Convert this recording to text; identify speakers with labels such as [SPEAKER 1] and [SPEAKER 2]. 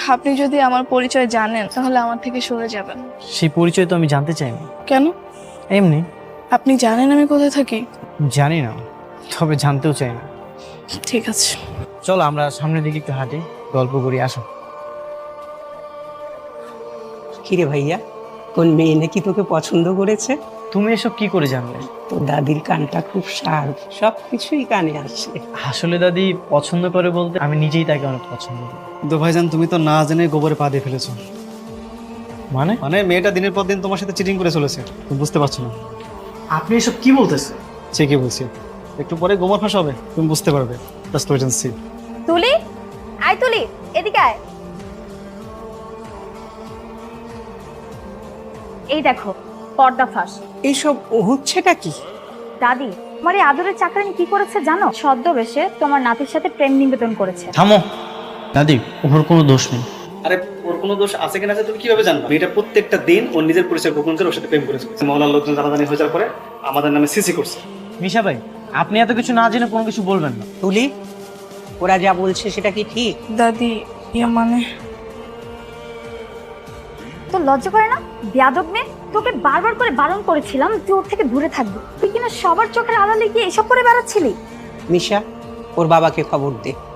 [SPEAKER 1] আপনি যদি আমার পরিচয় জানেন তাহলে আমার থেকে সরে যাবেন।
[SPEAKER 2] সেই পরিচয় তো আমি জানতে চাই না।
[SPEAKER 1] কেন?
[SPEAKER 2] এমনি।
[SPEAKER 1] আপনি জানেন আমি কোথায় থাকি?
[SPEAKER 2] জানি না, তবে জানতেও চাই না।
[SPEAKER 1] ঠিক আছে,
[SPEAKER 2] চলো আমরা সামনের দিকে একটু হাঁটি, গল্প করি, আসো।
[SPEAKER 3] কিরে ভাইয়া, কোন মেয়ে নাকি তোকে পছন্দ করেছে?
[SPEAKER 2] তুমি এসব কি করে জানলে?
[SPEAKER 3] তোর দাদির কানটা খুব শার্প, সব কিছুই কানে আসে।
[SPEAKER 2] আসলে দাদি পছন্দ করে বলতে আমি নিজেই তাকে অনেক পছন্দ করি।
[SPEAKER 4] কিন্তু ভাইজান তুমি তো না জেনে গোবরে পা দিয়ে ফেলেছো।
[SPEAKER 2] মানে
[SPEAKER 4] মানে মেয়েটা দিনের পর দিন তোমার সাথে চিটিং করে চলেছে, তুমি বুঝতে পারছো না।
[SPEAKER 2] আপনি এসব কি বলতেছেন?
[SPEAKER 4] ঠিকই বলছি, একটু পরে গোবর ফাঁস হবে, তুমি বুঝতে পারবে। Just wait and see.
[SPEAKER 5] Tuli, আয় তুলি, এদিকে আয়। এই দেখো পর্দা ফাঁস।
[SPEAKER 3] এইসব হচ্ছেটা কি?
[SPEAKER 5] দাদি, তোমার এই আদরের চাকরানি কি করেছে জানো? ছদ্মবেশে তোমার নাতির সাথে প্রেম নিবেদন করেছে।
[SPEAKER 2] থামো দাদি, ওর কোনো দোষ নেই।
[SPEAKER 4] আরে ওর কোনো দোষ আছে কিনা আছে তুমি কিভাবে জানবে? মেয়েটা প্রত্যেকটা দিন ওর নিজের পরিচয় গোপন করে ওর সাথে প্রেম করেছে। মহল্লার লোকজন জানাজানি হয়ে যাওয়ার পরে আমাদের নামে সিসি করছে।
[SPEAKER 2] মিশা ভাই, আপনি এত কিছু না জেনে কোনো কিছু বলবেন না।
[SPEAKER 3] তুলি, ওরা যা বলছে সেটা কি ঠিক?
[SPEAKER 1] দাদি মানে
[SPEAKER 5] তো লজ্জা করে না? বেয়াদব মেয়ে, তোকে বারবার করে বারণ করেছিলাম তুই ওর থেকে দূরে থাকবি, তুই কিনা সবার চোখের আড়ালে গিয়ে এসব করে বেড়াচ্ছিলি।
[SPEAKER 3] মিশা, ওর বাবাকে খবর দে।